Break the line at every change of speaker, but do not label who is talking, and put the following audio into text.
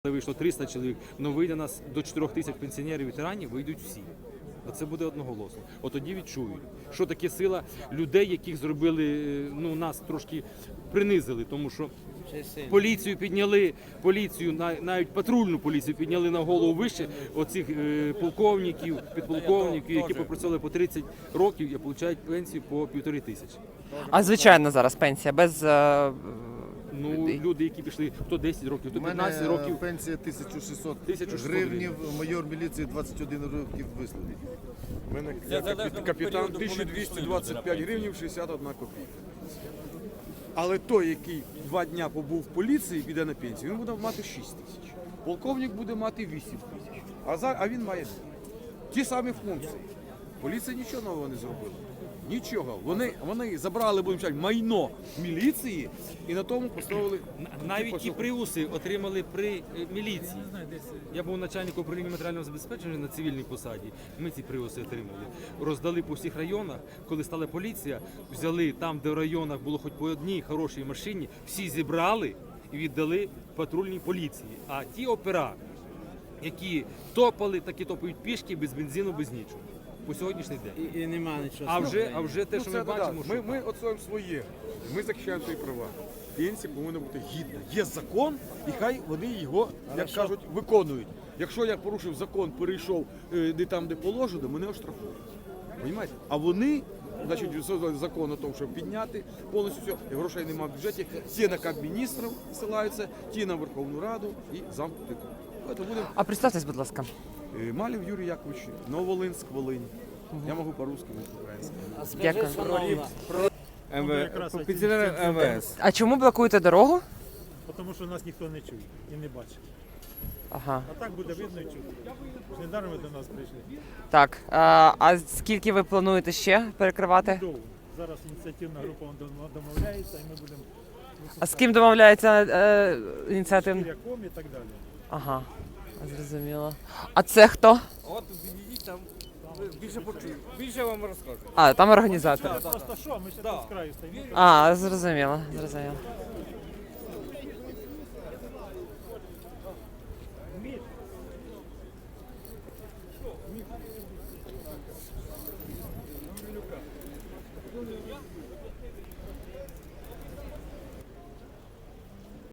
Вийшло 300 чоловік, але вийде нас до 4 тисяч пенсіонерів, ветеранів, вийдуть всі. Це буде одноголосно. От тоді відчують, що таке сила людей, яких зробили, нас трошки принизили, тому що поліцію підняли, навіть патрульну поліцію підняли на голову вище оцих полковників, підполковників, які попрацювали по 30 років і отримують пенсію по 1500.
А звичайно зараз пенсія без...
Люди, які пішли, хто 10 років, хто 15 років.
Пенсія 1600 гривнів, майор міліції 21 років вислуги.
У мене капітан 1225 гривнів 61 копійка. Але той, який 2 дня побув в поліції, піде на пенсію, він буде мати 6 тисяч. Полковник буде мати 8 тисяч. А він має ті самі функції. Поліція нічого нового не зробила. Нічого. Вони забрали, будемо сказати, майно міліції і на тому поставили...
Навіть ті приуси отримали при міліції. Я був начальником управління матеріального забезпечення на цивільній посаді. Ми ці приуси отримали. Роздали по всіх районах. Коли стала поліція, взяли там, де в районах було хоч по одній хорошій машині, всі зібрали і віддали патрульній поліції. А ті опера, які топали, такі топають пішки, без бензину, без нічого. По сьогоднішній день.
І нема нічого.
А вже те, що ми бачимо, що...
Ми отстоюємо своє. Ми захищаємо свої права. Пенсія повинна бути гідна. Є закон, і хай вони його, як кажуть, виконують. Якщо я порушив закон, перейшов не там, де положено, мене оштрафують. Понімаєте? А вони, значить, закон о тому, щоб підняти повністю все, і грошей немає в бюджеті, ті на Кабміністрів ссилаються, ті на Верховну Раду і замкнути.
А представтесь, будь ласка.
Малів Юрій Яковлевич, Нововолинськ, Волинь. Я можу по-русски, по-українськи.
Дякую.
Пенсіонери МВС.
А чому блокуєте дорогу?
Тому що нас ніхто не чує і не бачить.
Ага.
А так буде видно і чути. Недаром ви до нас прийшли.
Так, а скільки ви плануєте ще перекривати?
Довго. Зараз ініціативна група домовляється і ми будемо
А з ким домовляється ініціативна?
Шкіряком і так далі.
Ага, зрозуміло. А це хто?
От підійдіть там, більше почують. Більше вам розкажу.
А, там організатори.
Просто що, ми ще тут з краю стоїмо.
А, зрозуміло, зрозуміло.